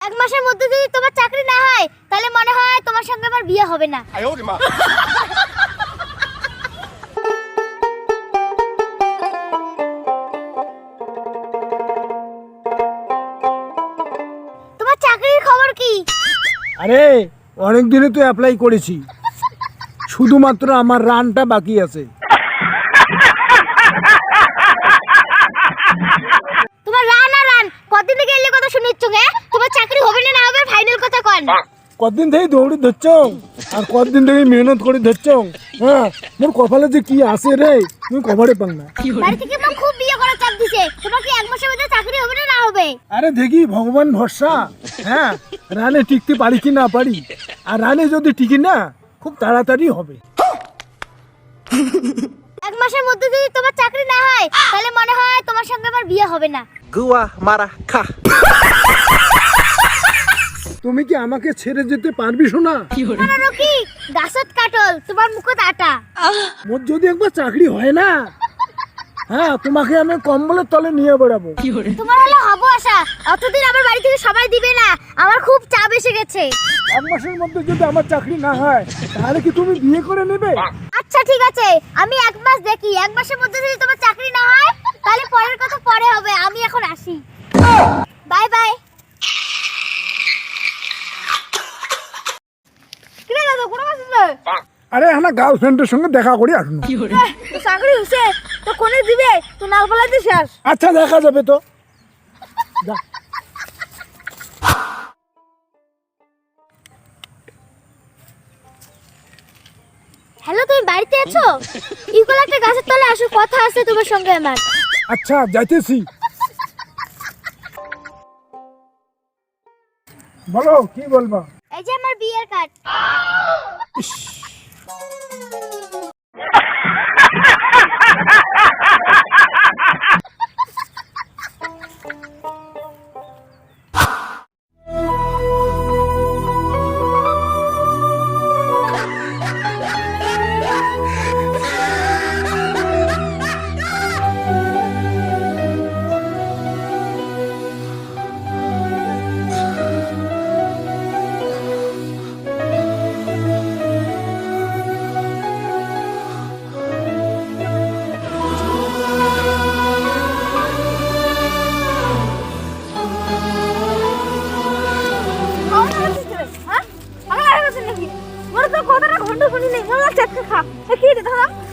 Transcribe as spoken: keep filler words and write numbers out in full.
এক মাসের মধ্যে যদি তোমার চাকরি না হয় তাহলে মনে হয় তোমার সঙ্গে আমার বিয়ে হবে না। তোমার চাকরির খবর কি? আরে অনেক দিনে তো অ্যাপ্লাই করেছি, শুধুমাত্র আমার রানটা বাকি আছে। তোমার রান আর রান কতদিন থেকে এলে কথা শুনিচ্ছ গে? তোমার চাকরি হবে না না হবে ফাইনাল কথা কোন? কতদিন থেকে দৌড়ি ধরছ আর কতদিন থেকে মেহনত করে ধরছ। হ্যাঁ, মোর কপালে যে কি আছে রে তুমি কভারে পাং না। বাড়ি থেকে মা খুব বিয়ে করার চাপ দিছে, তোমার কি এক মাসের মধ্যে চাকরি হবে না না হবে? আরে দেখি ভগবান ভরসা। হ্যাঁ, রানে টিকতে পারি কি না পারি, আর রানে যদি টিকি না খুব তাড়াতাড়ি হবে। এক মাসের মধ্যে যদি তোমার চাকরি না হয় তাহলে মনে হয় তোমার সঙ্গে আমার বিয়ে হবে না। Gua marah kah? তুমি কি আমাকে ছেড়ে যেতে পারবি শোনা? না রকি, গাছত কাটল তোমার মুখত আটা। মোর যদি একবার চাকরি হয় না, হ্যাঁ তোমাকে আমি কম্বলের তলে নিয়ে বেড়াবো। তোমার হলো হবো আশা, অতদিন আমার বাড়ি থেকে সবাই দিবে না, আমার খুব চাপ এসে গেছে। এক মাসের মধ্যে যদি আমার চাকরি না হয় তাহলে কি তুমি বিয়ে করে নেবে? আচ্ছা ঠিক আছে, আমি এক মাস দেখি, এক মাসের মধ্যে যদি তোমার চাকরি না হয় তাহলে পরের কথা পরে হবে, আমি এখন আসি। Bye bye. কিরে দাদা কোন মাস আছে? আরে হ্যাঁ, গার্লফ্রেন্ডের সঙ্গে দেখা করি আসুন। চাকরি হইছে তো কোনে দিবে? তো নাল ফলাইতে শেষ। আচ্ছা দেখা যাবে তো। যা। হ্যালো, তুমি বাড়িতে আছো? ইকোল একটা গাছের তলে আসো, কথা আছে তোমার সঙ্গে আমার। আচ্ছা যাইতেছি। বলো কি বলবা? এই যে আমার বিয়ের কার্ড। হ্যাঁ? আমার আর কাছে নাকি? মোর তো কথাটা ঘন্টা শুনি নেই, মোর চাটকে খা। কি রে দাদা?